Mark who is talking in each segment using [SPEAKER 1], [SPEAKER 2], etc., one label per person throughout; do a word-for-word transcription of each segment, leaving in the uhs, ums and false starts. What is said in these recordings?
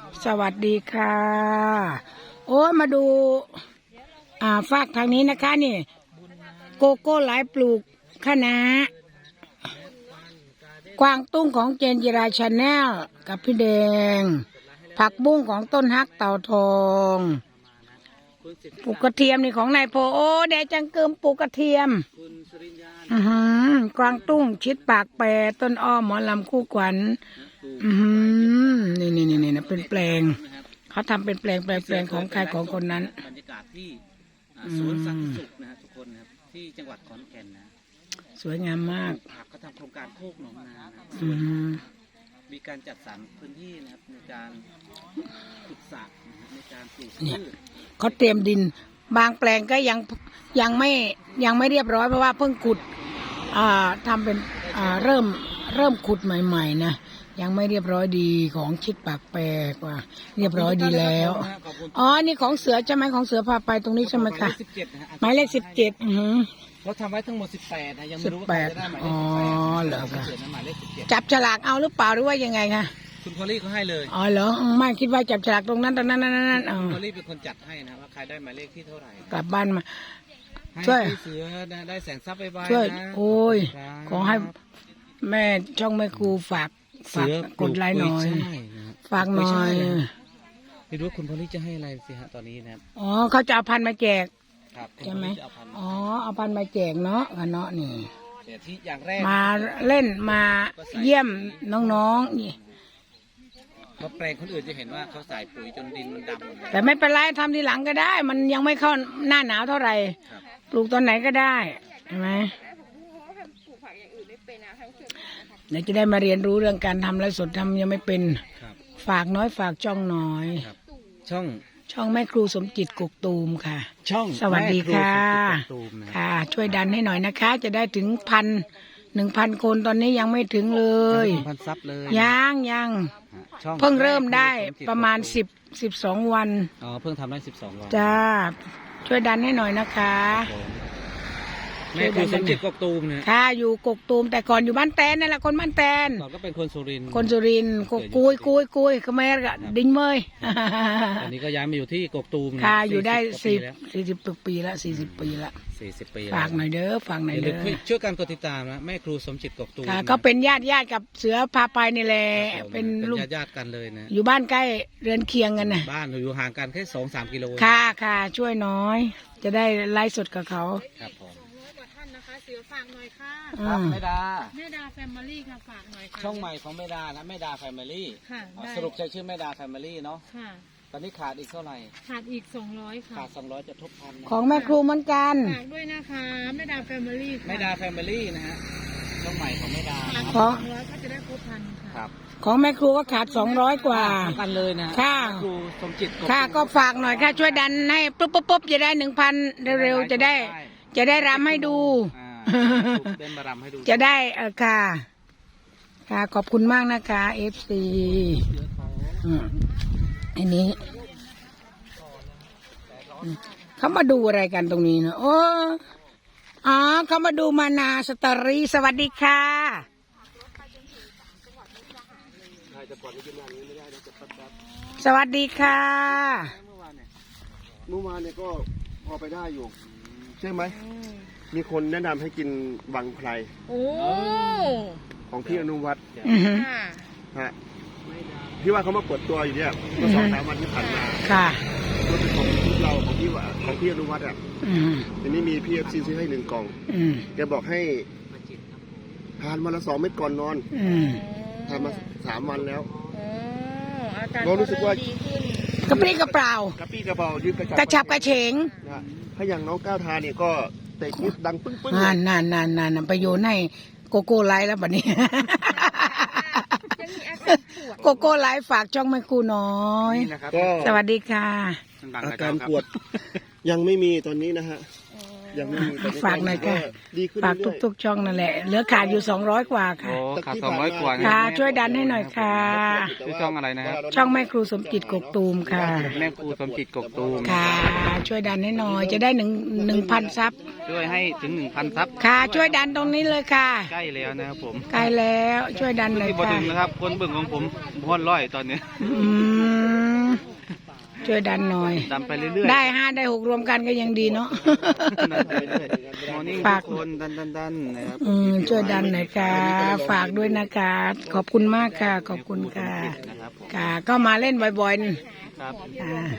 [SPEAKER 1] สวัสดีค่ะโอ้มาดูอ่าฝากทางนี้นะคะนี่โกโก้หลายปลูกคะน้ากวางตุ้งของเจนจิราชาแนลกับพี่แดงผักบุ้งของต้นฮักเต่าทองปลูกกระเทียมนี่ของนายโพโอ้แดจังเกิมปลูกกระเทียมอือหือกวางตุ้งชิดปากแปรต้นอ้อมหมอลำคู่ขวัญอือหือนี่นี่นี่นี่เป็นแปลงเขาทำเป็นแปลงแปลงแปลงของใครของคนนั้น
[SPEAKER 2] บรรยากาศที่สวนสันติสุขนะฮะทุกคนนะครับที่จังหวัดขอนแก่นนะ
[SPEAKER 1] สวยงามมาก
[SPEAKER 2] เขาทำโครงการโคกหนองนานะมีการจัดสรรพื้นที่นะครับในการขุดสระในการปลูกพืช
[SPEAKER 1] เขาเตรียมดินบางแปลงก็ยังยังไม่ยังไม่เรียบร้อยเพราะว่าเพิ่งขุดอ่าทำเป็นอ่าเริ่มเริ่มขุดใหม่ๆนะยังไม่เรียบร้อยดีของชิดปากแปรกว่าเรียบร้อยดีแล้วอ๋อนี่ของเสือใช่ไหมของเสือพาไปตรงนี้ใช่ไหมคะหมายเลขสิบเจ็ดอือ
[SPEAKER 2] เขาทำไว้ทั้งหมดสิบแปดนะยังไม่รู้ว่าใครจะได้หมายเลขสิบแปดอ๋อเหรอคะ
[SPEAKER 1] จับฉลากเอาหรือเปล่าหรือว่ายังไงคะ
[SPEAKER 2] คุณพอลลี่เขาให้เลย
[SPEAKER 1] อ๋อเหรอไม่คิดว่าจับฉลากตรงนั้นตรงนั้นนั่นนั่นอ๋อ
[SPEAKER 2] พอลลี่เป็นคนจัดให้นะว่าใครได้หมายเลขที่เท่าไหร่
[SPEAKER 1] กลับบ้านมา
[SPEAKER 2] ช่วยเสือได้แสงทรัพย์ไปบ้าง
[SPEAKER 1] ช่วยโอ้ยขอให้แม่ช่องแม่ครูฝากฝากกดไลค์หน่อยฝากหน่อย
[SPEAKER 2] ไม่รู้คุณพอลลี่จะให้อะไรสิฮะตอนนี้นะครับ
[SPEAKER 1] อ๋อเขาจะเอาพันมาแจก
[SPEAKER 2] ใช่
[SPEAKER 1] ไหมอ๋อเอาพันมาแจกเนาะกันเนาะนี่มาเล่นมาเยี่ยมน้องๆนี่
[SPEAKER 2] เพราะแปลงคนอื่นจะเห็นว่าเขาใส่ปุ๋ยจนดินมันดำหมด
[SPEAKER 1] แต่ไม่เป็นไรทำทีหลังก็ได้ มันยังไม่เข้าหน้าหนาวเท่าไหร่ปลูกตอนไหนก็ได้ใช่ไหมเดี๋ยวจะได้มาเรียนรู้เรื่องการทำไร่สดทำยังไม่เป็นฝากน้อยฝากช่องน้อย
[SPEAKER 2] ช่อง
[SPEAKER 1] ช่องแม่ครูสมจิตกุกตูมค่ะ
[SPEAKER 2] ช่อง
[SPEAKER 1] สวัสดีค่ะค่ะช่วยดันให้หน่อยนะคะ จะได้ถึงพันหนึ่งพันคนตอนนี้ยังไม่ถึงเลย
[SPEAKER 2] พันซับเลย
[SPEAKER 1] ยังยังเพิ่งเริ่มได้ประมาณสิบสิบสองวัน
[SPEAKER 2] อ๋อเพิ่งทำได้สิบสองวัน
[SPEAKER 1] จ้าช่วยดันให้หน่อยนะคะ
[SPEAKER 2] แม่ครูสมจิตกกตูมเนี่ย
[SPEAKER 1] ค่ะอยู่กกตูมแต่ก่อนอยู่บ้านแตนนั่นแหละคนบ้านแตน
[SPEAKER 2] ก่อนก็เป็นคนสุรินทร์
[SPEAKER 1] คนสุรินทร์กุยกุยกุยขมรกะดิ้งเมย
[SPEAKER 2] อันนี้ก็ย้ายมาอยู่ที่กกตูม
[SPEAKER 1] ค่ะอยู่ได้สี่สี่สิบปีแล้วสี่สิบปีแล้ว
[SPEAKER 2] สี่สิบปี
[SPEAKER 1] ฝากหน่อยเด้อฝากหน่อยเด้อ
[SPEAKER 2] ช่วยกันกดติดตามนะแม่ครูสมจิตกกตูม
[SPEAKER 1] ค่ะก็เป็นญาติญาติกับเสือพาไปนี่แหละเป็น
[SPEAKER 2] ลูกญาติกันเลยนะ
[SPEAKER 1] อยู่บ้านใกล้เรือนเคียงกันนะ
[SPEAKER 2] บ้านอยู่ห่างกันแค่สองสามกิโล
[SPEAKER 1] ค่ะค่ะช่วยน้อยจะได้ไลฟ์สดกับเขา
[SPEAKER 2] ครับผม
[SPEAKER 3] เสือฝากหน่อยค่ะ
[SPEAKER 2] ครับแม่ดา
[SPEAKER 3] แม่ดาแฟมิลี่ค่ะฝากหน่อยค่ะ
[SPEAKER 2] ช่องใหม่ของแม่ดานะแม่ดาแฟมิลี่
[SPEAKER 3] ค่ะ
[SPEAKER 2] สรุปใช้ชื่อแม่ดาแฟมิลี่เนาะ
[SPEAKER 3] ค่ะ
[SPEAKER 2] ตอนนี้ขาดอีกเท่าไหร่
[SPEAKER 3] ขาดอีกสองร้อยค่ะ
[SPEAKER 2] ขาดสองร้อยจะทบพัน
[SPEAKER 1] ของแม่ครูเหมือนกัน
[SPEAKER 3] ฝากด้วยนะคะแม่ดาแฟมิลี่
[SPEAKER 2] แม่ดาแฟมิลี่นะฮะช่องใหม่ของแม่ดา
[SPEAKER 3] ของสองร้อยก็จะได้ครบพันค่ะ
[SPEAKER 1] ครับของแม่ครูก็ขาดสองร้อยกว่า
[SPEAKER 2] กันเลยนะ
[SPEAKER 1] ค่ะ
[SPEAKER 2] ครูสมจิต
[SPEAKER 1] ค่ะก็ฝากหน่อยค่ะช่วยดันให้ปุ๊บปุ๊บปุ๊บจะได้หนึ่งพันเร็วๆจะได้จะได้รำให้ดูจะได้เออค่ะค่ะขอบคุณมากนะคะเอฟซีอันนี้เขามาดูอะไรกันตรงนี้เนาะโอ้อ๋อเขามาดูมานาสตอรี่สวัสดีค่ะสวัสดีค่ะ
[SPEAKER 4] เมื่อวานเนี่ยก็พอไปได้อยู่ใช่ไหมมีคนแนะนำให้กินวังไพร
[SPEAKER 3] โอ้
[SPEAKER 4] ของพี่อนุวัฒน์ฮะพี่ว่าเขามาเปิดตัวอยู่เนี่ยเมื่อสองสามวันที่ผ่านมา
[SPEAKER 1] ค่ะ
[SPEAKER 4] รถเป็นของเราของพี่ว่าของพี่อนุวัฒน์อ่ะทีนี้มีพี่เอฟซีซื้อให้หนึ่งกล่องแกบอกให้ทานวันละสองเม็ดก่อนนอนทานมาสามวันแล้วเรารู้สึกว่าก
[SPEAKER 1] ระปรี้กระเปร่าก
[SPEAKER 4] ระปรี้กระเปร่ายืด
[SPEAKER 1] กระชับกระเฉง
[SPEAKER 4] ถ้าอย่างน้องก้าวทานเนี่ยก็เตะคิดดังปึ้งปึ้ง
[SPEAKER 1] นานนานนานนานไปโยนให้โกโก้ไลท์แล้วบัดนี้โกโก้ไลท์ฝากช่องแม่ครูน้อยสวัสดีค่ะ
[SPEAKER 4] อาการปวดยังไม่มีตอนนี้นะฮะยังไม่มีตอนนี้
[SPEAKER 1] ฝากหน่อยค่ะ
[SPEAKER 4] ดีขึ้น
[SPEAKER 1] ฝาก
[SPEAKER 4] เรื่อยๆ
[SPEAKER 1] ทุกๆช่องนั่นแหละ เหลือขาดอยู่สองร้อยกว่าค่ะ
[SPEAKER 2] โอ้ขาดสองร้อยกว่านะ
[SPEAKER 1] ค่ะ ช่วยดันให้หน่อยค่ะ
[SPEAKER 2] ชื่อช่องอะไรนะครับ
[SPEAKER 1] ช่องแม่ครูสมจิตกกตูมค่ะ
[SPEAKER 2] แม่ครูสมจิตกกตูม
[SPEAKER 1] ค่ะ ช่วยดันให้หน่อย จะได้หนึ่งหนึ่งพันซับ
[SPEAKER 2] ช่วยให้ถึงหนึ่งพันซับ
[SPEAKER 1] ค่ะ ช่วยดันตรงนี้เลยค่ะ
[SPEAKER 2] ใกล้แล้วนะครับผม
[SPEAKER 1] ใกล้แล้วช่วยดันหน่อย
[SPEAKER 2] ที่บอ
[SPEAKER 1] ค่ะ
[SPEAKER 2] ถึงนะครับคนเบิ่งของผมม้วนร้อยตอนนี้
[SPEAKER 1] อืมช่วยดันหน่อย
[SPEAKER 2] ดำไปเรื่อยๆ
[SPEAKER 1] ได้ห้าได้หกรวมกันก็ยังดีเนาะ
[SPEAKER 2] ดันไปเรื่อยๆมอร์นิ่ง
[SPEAKER 1] ฝาก
[SPEAKER 2] ทุกคนดันดันดันนะครับ
[SPEAKER 1] อืมช่วยดันหน่อยค่ะ ฝากด้วยนะคะ ขอบคุณมากค่ะ ขอบคุณค่ะ
[SPEAKER 2] นะครับผม
[SPEAKER 1] ค่ะ ก็มาเล่นบ่อยๆนี่
[SPEAKER 2] ครับ
[SPEAKER 1] อ่า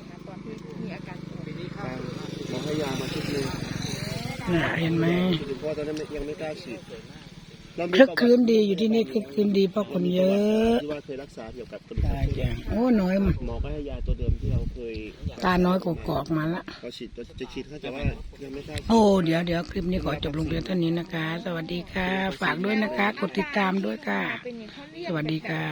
[SPEAKER 4] เราให้ยามาชุดหนึง
[SPEAKER 1] น่ะเห็นไหม
[SPEAKER 4] คุณพ่อตอนนั้นยังไม่กล้าฉีดเรามี
[SPEAKER 1] คลึกคลื้นดีอยู่ที่นี่คลึกคลื้นดีเพราะคนเยอะ
[SPEAKER 4] ที่ว่าเคยรักษาเกี่ยวกับกระดูก
[SPEAKER 1] ตายจังโอ้น้อย
[SPEAKER 4] หมอก็ให้ยาตัวเดิมที่เราเคย
[SPEAKER 1] ตาน้อยกกอกมาละ
[SPEAKER 4] เราฉีดเราจะฉีดเขาแต่ว่ายังไม่กล้าฉีด
[SPEAKER 1] โอ้เดี๋ยวเดี๋ยวคลิปนี้ขอจบลงเพียงเท่านี้นะคะ สวัสดีค่ะ ฝากด้วยนะคะ กดติดตามด้วยค่ะ สวัสดีค่ะ